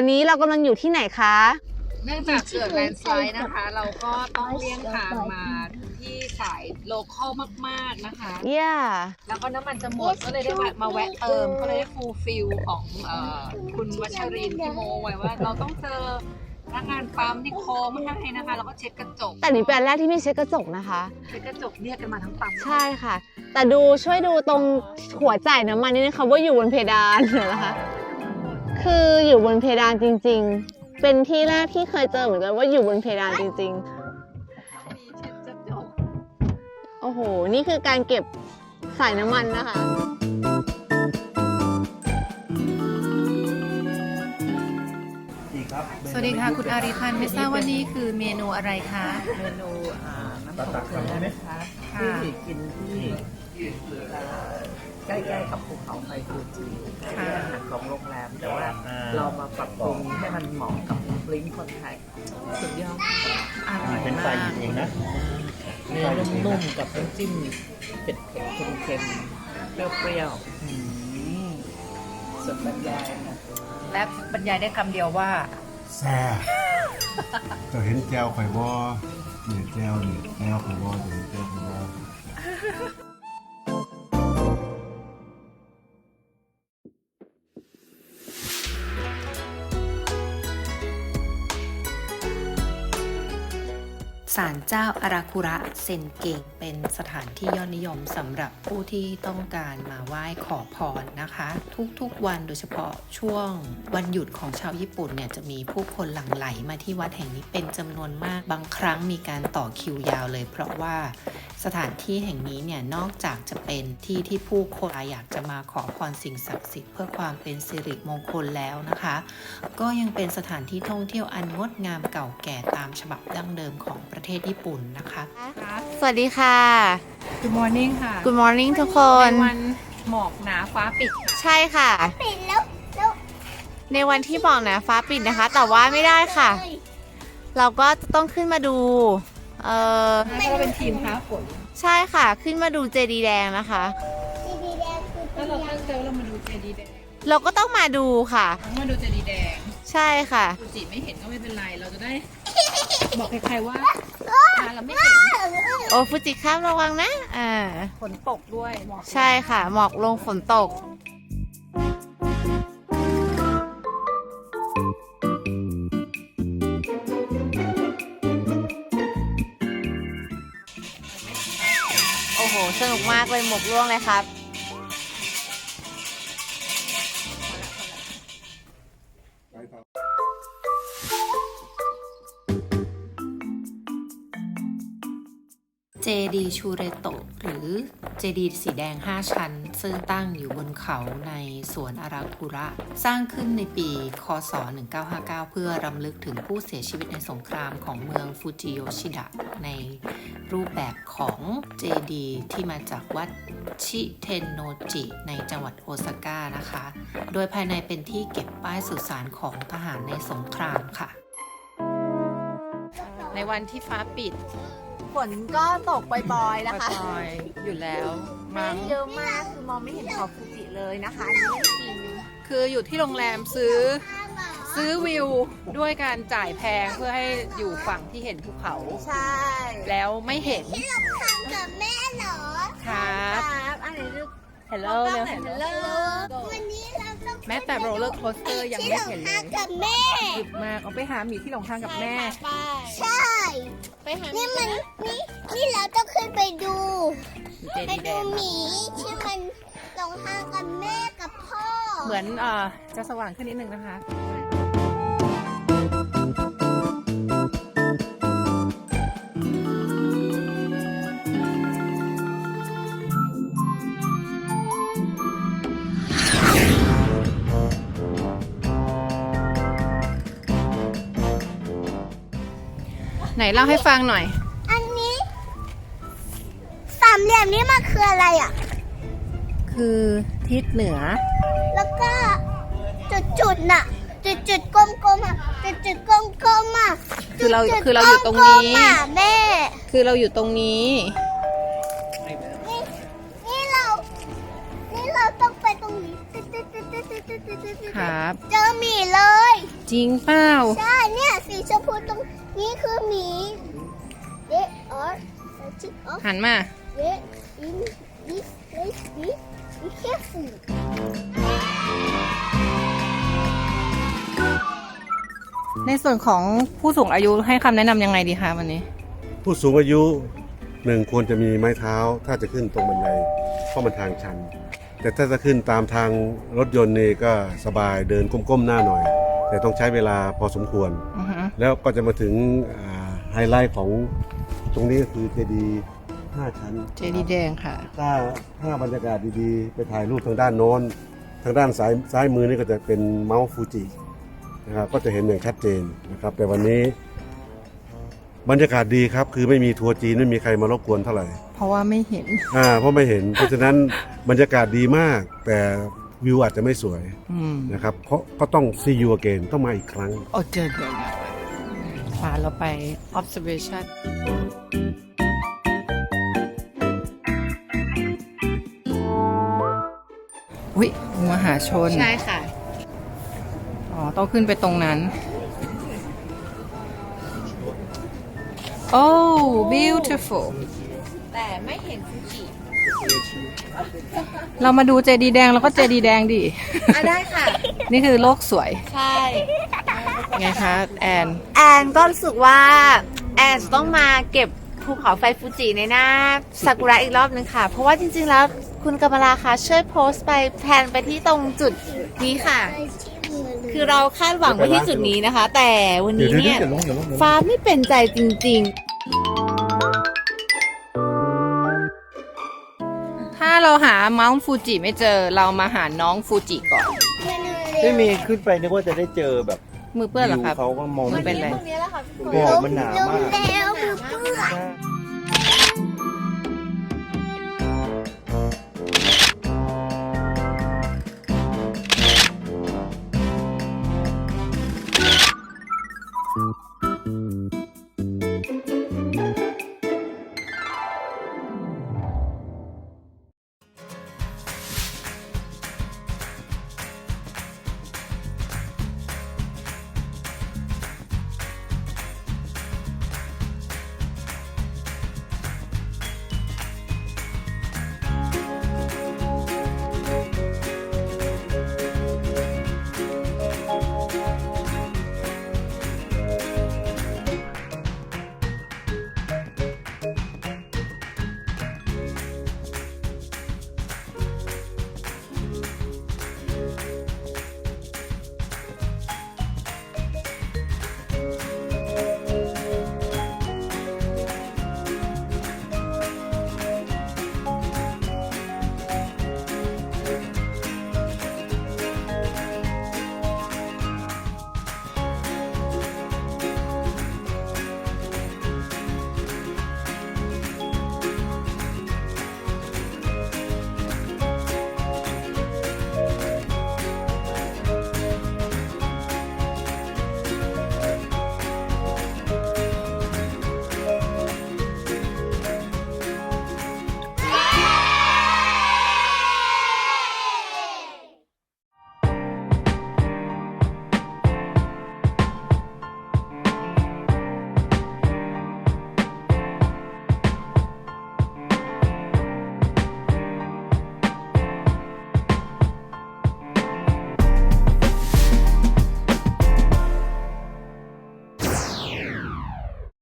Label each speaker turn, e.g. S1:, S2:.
S1: อนนี้เรากำลังอยู่ที่ไหนคะ
S2: เนื่องจากเกิดแลนด์สไลด์นะคะ เราก็ต้องเลี่ยงทางมาที่สายโลคอลมากๆนะคะ แล้วก็น้ำมันจะหมดก็เลยได้มาแวะเติมก็เลยได้ฟูลฟิลของคุณวัชรินทร์ที่โมไว้ว่าเราต้องเจอพนักงานปั๊มที่โค้งมาให้นะคะแล้วก็เช็ดกระจก
S1: แต่นี่เป็นอันแรกที่ไม่เช็ดกระจกนะคะ
S2: เช็ดกระจกเรียกกันมาทั้งปั๊ม
S1: ใช่ค่ะ แต่ช่วยดูตรงหัวจ่ายน้ำมันนี่นะคะว่าอยู่บนเพดานนะคะ คืออยู่บนเพดานจริงๆ เป็นที่แรกที่เคยเจอเหมือนกันว่าอยู่บนเพดานจริงๆ
S2: เช็ดกระจก
S1: โอ้โห นี่คือการเก็บสายน้ำมันนะคะ
S2: สวัสดีค่ะคุณอาริพันธ์ไม่ทราบว่านี่คือเมนูอะไรคะ
S3: เมนูน้ำตกเกลือนะคะที่กินที่ใกล้ๆกับภูเขาไฟฟูจิเป็นอาหารของโรงแรม แต่ว่าเรามาปรับปรุงให้มันเหมาะกับลิ้นคนไทยสุดยอดอร่อย
S4: เป็น
S3: มา
S4: ไฟ
S3: ก
S4: หยิบเองนะ
S3: เนื้อนุ่มๆกับน้ำจิ้มเผ็ดๆเค็มๆเปรี้ยวๆสุดบรรยายค่ะ
S2: และบรรยายได้คำเดียวว่า
S5: แซ่บจะเห็นแจวข่อยบ่นี่แจวนี่แจวข่อยบ่จะเห็นแจวข่อยบ่
S6: ศาลเจ้าอาราคุระเซนเกงเป็นสถานที่ยอดนิยมสำหรับผู้ที่ต้องการมาไหว้ขอพรนะคะ ทุกๆวันโดยเฉพาะช่วงวันหยุดของชาวญี่ปุ่นเนี่ยจะมีผู้คนหลั่งไหลมาที่วัดแห่งนี้เป็นจำนวนมากบางครั้งมีการต่อคิวยาวเลย เพราะว่าสถานที่แห่งนี้เนี่ยนอกจากจะเป็นที่ที่ผู้คนอยากจะมาขอพรสิ่งศักดิ์สิทธิ์เพื่อความเป็นสิริมงคลแล้วนะคะ ก็ยังเป็นสถานที่ท่องเที่ยวอันงดงามเก่าแก่ตามฉบับดั้งเดิมของประเทศญี่ปุ่นนะคะ
S1: สวัสดีค่ะ
S2: Good morning ค่ะ
S1: Good morning ทุกคน
S2: ในวันหมอกหนาฟ้าปิดค่ะ
S1: ใช่ค่ะ ในวันที่บอกนะฟ้าปิดนะคะ แต่ว่าไม่ได้ค่ะ เราก็จะต้องขึ้นมาดู
S2: แล้วก็เป็นทีมท้าฝน
S1: ใช่ค่ะ ขึ้นมาดูเจดีย์แดงนะคะ
S2: แล้วเราตั้งใจว่าเรามาดูเจดีย์แดง
S1: เราก็ต้องมาดูค่ะ
S2: มาดูเจดีย์แดง
S1: ใช่ค่ะ
S2: ฟูจิไม่เห็นก็ไม่เป็นไร เราจะได้ บอกใครๆว่าเราไม่เห็น
S1: โอ้ฟูจิครับระวังนะ
S2: ฝนตกด้วยหมอก
S1: ใช่ค่ะ หมอกลงฝนตก โอ้โห สนุกมากเลยหมกร่วงเลยครับ
S6: เจดีชูเรโตะหรือเจดีสีแดง 5 ชั้น ซึ่งตั้งอยู่บนเขาในสวนอาราคุระ สร้างขึ้นในปี คศ 1959 เพื่อรำลึกถึงผู้เสียชีวิตในสงครามของเมืองฟูจิโยชิดะในรูปแบบของเจดีที่มาจากวัดชิเทนโนจิในจังหวัดโอซาก้านะคะ โดยภายในเป็นที่เก็บป้ายสุสานของทหารในสงครามค่ะ
S2: ในวันที่ฟ้าปิด
S1: ฝนก็ตกบ่อยๆนะคะ
S2: ปล่อยๆอยู่แล้ว
S1: เมฆเยอะมาก คือมองไม่เห็นขอบฟูจิเลยนะคะอันนี้เรื่องจริง
S2: คืออยู่ที่โรงแรมซื้อวิวด้วยการจ่ายแพงเพื่อให้อยู่ฝั่งที่เห็นภูเขา
S1: ใช่
S2: แล้วไม่เห็น
S7: กับแม่เหรอ
S2: ครับ
S1: ครับอันนี้ลูก
S2: Hello เร็ว
S1: Hello
S7: วันนี้เราต้อง
S2: แม้แต่โรลเลอร์โคสเตอร์ยังไม่เห็นเลย
S7: กับแม่
S2: ดึกมากเอาไปหาหมีที่หลงทางกับแม่
S7: ใช่
S1: ไปหา
S7: นี่มันนี่เราต้องขึ้นไปดู
S2: เจ
S7: ไป
S2: ดีย์แด
S7: ดู
S2: ง
S7: หมีที่มันหลงทางกับแม่กับพ่อ
S2: เหมือนจะสว่างขึ้นนิดนึงนะคะ ไหนเล่าให้ฟังหน่อย
S7: อันนี้สามเหลี่ยมนี่มันคืออะไรอ่ะ
S2: คือทิศเหนือ
S7: แล้วก็จุดๆน่ะ จุดๆกลมๆอ่ะจุดๆกลมๆอ่ะ
S2: คือเรา
S7: จุดๆ
S2: คือเราอยู่ตรงนี้
S7: กลมๆอ่ะแม่
S2: คือเราอยู่ตรงนี้
S7: นี่เราต้องไปตรงนี้
S2: ครับ
S7: เจอหมีเลย
S2: จ
S6: จริงเปล่า
S7: ใช่เนี่ยสีชมพูตรงนี้คือหมีเด็กออร์จิกออฟ
S6: หันมา
S7: เด็กอินดิสเลสบีbe careful
S6: ในส่วนของผู้สูงอายุให้คำแนะนำยังไงดีคะวันนี้
S5: ผู้สูงอายุหนึ่งควรจะมีไม้เท้าถ้าจะขึ้นตรงบันไดเพราะมันทางชัน แต่ถ้าจะขึ้นตามทางรถยนต์นี่ก็สบายเดินก้มๆหน้าหน่อย แต่ต้องใช้เวลาพอสมควร
S6: อือฮึ
S5: แล้วก็จะมาถึงไฮไลท์ของตรงนี้ก็คือเจดีย์5 ชั้น
S6: เจดีย์แดงค่ะ
S5: ถ้าบรรยากาศดีๆ ไปถ่ายรูปทางด้านโน้น ทางด้านซ้ายมือนี่ก็จะเป็นเมาส์ฟูจินะครับก็จะเห็นอย่างชัดเจนนะครับ แต่วันนี้บรรยากาศดีครับ คือไม่มีทัวร์จีนไม่มีใครมารบกวนเท่าไหร่
S6: เพราะว่าไม่เห็น
S5: เพราะไม่เห็น เพราะฉะนั้นบรรยากาศดีมาก แต่วิวอาจจะไม่สวย
S6: อืม
S5: นะครับเพราะก็ต้อง see you again ต้องมาอีกครั้ง
S6: โอ้เจอพาเราไป observation อุ๊ยมหาชน
S1: ใช่ค่ะ
S6: อ๋อ ต้องขึ้นไปตรงนั้น โอ้ beautiful
S2: แต่ไม่เห็นฟูจิ
S6: เรามาดูเจดีย์แดงแล้วก็เจดีย์แดงดิ
S1: ได้ค่ะ
S6: นี่คือโลกสวย
S1: ใช่
S6: ไงคะ แอน
S1: แอนก็รู้สึกว่าแอนจะต้องมาเก็บภูเขาไฟฟูจิในหน้าซากุระอีกรอบนึงค่ะ เพราะว่าจริงๆแล้วคุณกำมลาคะช่วยโพสต์ไปแพนไปที่ตรงจุดนี้ค่ะ คือเราคาดหวังไว้ที่จุดนี้นะคะ แต่วันนี้เนี่ยฟ้าไม่เป็นใจจริงๆ
S6: ถ้าเราหาเมาส์ฟูจิไม่เจอ เรามาหาน้องฟูจิก่อน
S4: ไม่มีขึ้นไปนึกว่าจะได้เจอแบบ
S6: มือเปื้อนเหรอครับ
S4: วิวเขาก็มอง
S6: มันเป็นไร
S4: หมอกมันหนามาก
S7: แล้วมือเปื้อน
S4: ใช่